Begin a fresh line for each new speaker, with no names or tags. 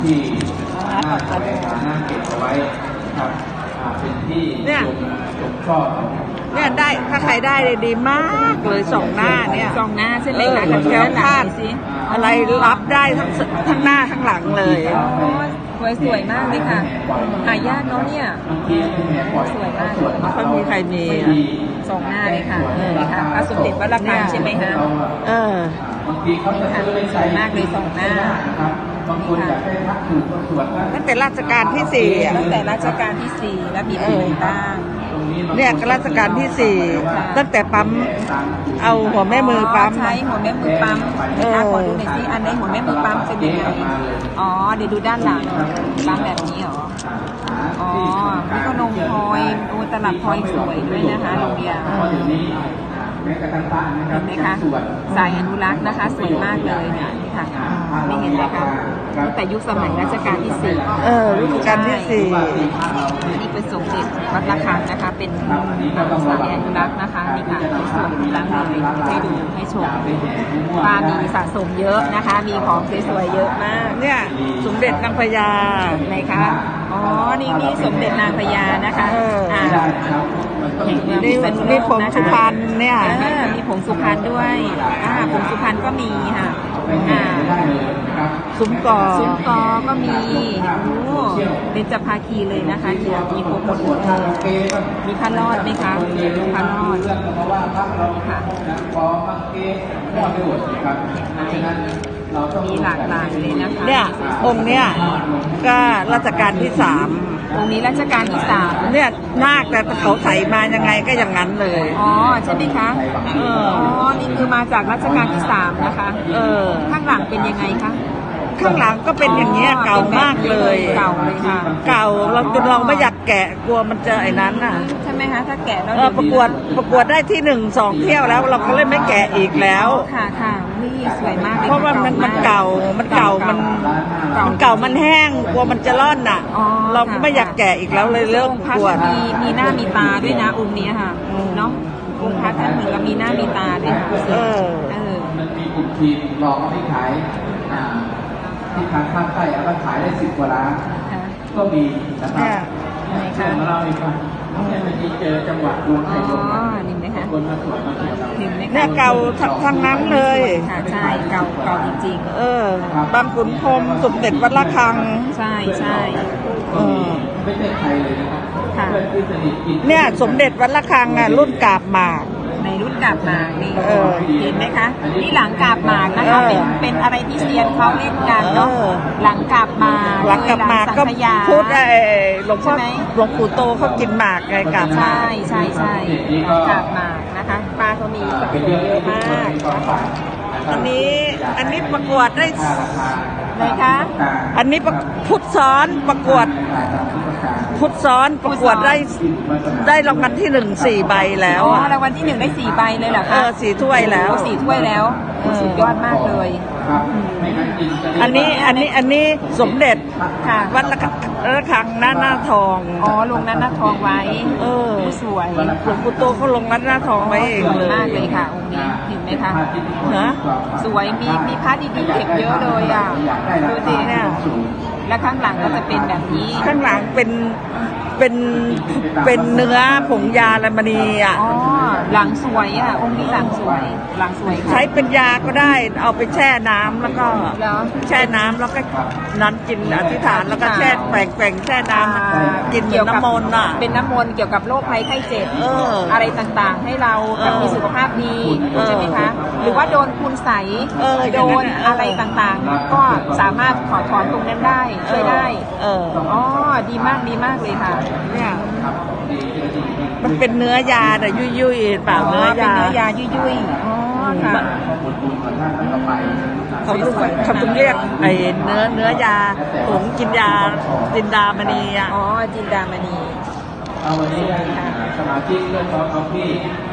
ที่น่าแสวงหาน่าเก็บเอาไว้ครับเป็นที่ชมชอบ
เนี่ยได้ถ้าใครได้เลยดีมากเลยสองหน้าเนี่ย
สองหน้าใช่ไหมคะ
กระเทียมคาดอะไรรับได้ทั้งหน้าทั้งหลังเลย
สวยมากเลยค่ะหายากเนาะเนี่ยสวยมากเลย
ไม่ค่อยมีใครมี
สองหน้าเลยค่ะค่ะพระสมเด็จวัดระฆังใช่ไหมคะ
บางทีเขาจะซื้อไปใส่
มากเลยสองหน้า
บางคนอยากได้พักถูกตรวจ
ตั้งแต่รัชกาลที่สี่
ตั้งแต่รัชกาลที่สี่แล้วมีอะไรบ้าง
เนี่ยรัชกาลที่สี่ตั้งแต่ปั๊มเอาหัวแม่มือปั๊ม
ใช้หัวแม่มือปั๊มขอดูหน่อยสิอันไหนหัวแม่มือปั๊มเป็นยังไงอ๋อเดี๋ยวดูด้านหลังปั๊มแบบนี้เหรออ๋อนี่ก็นมพลอยตลับพลอยสวยด้วยนะคะโรงเรียนเห็นไหมคะสายอนุรักษ์นะคะสวยมากเลยเนี่ยนี่ค่ะไม่เห็นเลยค่ะตั้งแต่ยุคสมัยรัชกาลที่สี่
รัชกาลที่สี่
นี่เป็นสมเด็จวัดระฆังนะคะเป็นสายอนุรักษ์นะคะนี่ค่ะสวยอนุรักษ์เลยให้ดูให้ชมป้ามีสะสมเยอะนะคะมีของสวยๆเยอะมาก
เนี่ยสมเด็จนางพญา
ไหนคะอ๋อนี่สมเด็จนางพญานะคะ
นี่ผงสุพรรณเนี่ย
มีผงสุพรรณด้วยผงสุพรรณก็มีค่ะ
ซุ้มกอ
ก็มีเบญจภาคีเลยนะคะเดี๋ยวมีโคมดมีพระรอดไหมคะพระรอดค่ะมีหลากหลายเลยนะคะ
เนี่ยองค์เนี่ยก็รัชกาลที่สาม
องค์นี้รัชกาลที่สาม
เนี่ยนาคแต่เขาใส่มายังไงก็อย่างนั้นเลย
อ๋อใช่ไหมคะนี่คือมาจากรัชกาลที่สามนะคะข้างหลังเป็นยังไงคะ
ข้างหลังก็เป็นอย่างเงี้ยเก่ามากเลย
เก่าเลยค่ะ
เก่าเราจนเราไม่อยากแกะกลัวมันจะไอ้นั้นน่ะ
ใช่ไหมคะถ้าแกะแล้ว
ประกวดได้ที่1-2 เที่ยวแล้วเราก็เลยไม่แกะอีกแล้ว
ค่ะนี่สวยมากเลย
เพราะว่ามันเก่ามันแห้งกลัวมันจะร่อนน่ะเราก็ไม่อยากแกะอีกแล้วเลยเลิกประกวด
มีหน้ามีตาด้วยนะองค์นี้ค่ะเนาะองค์พระท่านเหมือนกับมีหน้ามีตาด้วยค่ะ
มันมีกลุ่มทีมลองที่ขายที่ทางภาคใต้เอามาขายได้10 กว่าล้านก็มีนะครับช่วงเราอีกครับที่เจอจังหวัดดวงไทยคนมาตรวจ
เนี่ยเก่าทั้งนั้นเลย
ค่ะใช่เก่าจริง
ๆบางขุนพรหมสมเด็จวัดระฆัง
ใช่
ไม่ใช่ใครเลยนะครับ
เนี่ยสมเด็จวัดระฆังรุ่นกาบหมาก
ในรุ่นกาบหมากนี่เห็นไหมคะนี่หลังกาบหมากนะคะเป็นอะไรที่เซียนเขาเล่นกันเนาะหลังกาบหมาก
ก็พูดหลวงพ่อหลวงปู่โตเขากินหมากไงกาบหมาก
ใช่กาบหมากนะคะปลาเขามีสะสมเยอะมาก
อันนี้ประกวดได้
ไหนคะ
อันนี้พุทธซ้อนประกวดได้รางวัลที่1 4 ใบแล้ว
รางวัลที่1ได้4 ใบเลยเหรอคะ
4 ถ้วยแล้ว
4 ถ้วยแล้วสุดยอดมากเลย
อันนี้สมเด็จวัดระฆังหน้าทอง
ลงหน้าทองไว้สวย
หลวงปู่โตเขาลงหน้าทองไว้เองเลย
มากเลยค่ะองค์นี้เห็นไหมคะสวยมีพระดีๆเก็บเยอะเลยดูสิเนี่ยและข้างหลังก็จะเป็นแบบนี้
ข้างหลังเป็นเนื้อผงยาละมณี
หลังสวยองค์นี้หลังสวย
ใช้เป็นยาก็ได้เอาไปแช่น้ำแล้วก็แช่น้ำแล้วก็นั้นกินอธิษฐานแล้วก็แช่แกว่งแช่น้ำกินเกี่ยวกับน้ำมนต์
เป็นน้ำมนต์เกี่ยวกับโรคภัยไข้เจ็บอะไรต่างๆให้เรามีสุขภาพดีใช่ไหมคะหรือว่าโดนคุณใสโดนอะไรต่างๆก็สามารถถอนตรงนั้นได้ช่วยได้ดีมากเลยค่ะ
เนี่ยมันเป็นเนื้อยาแต่ยุ่ยๆเปล่าเนื้อยา
ยุ่ยค่ะ
เขาต้องเรียกไอ้เนื้อยาผงกินยาจินดามณี
จินดามณี
เอาวันนี้สมาชิกเรื่องของพี่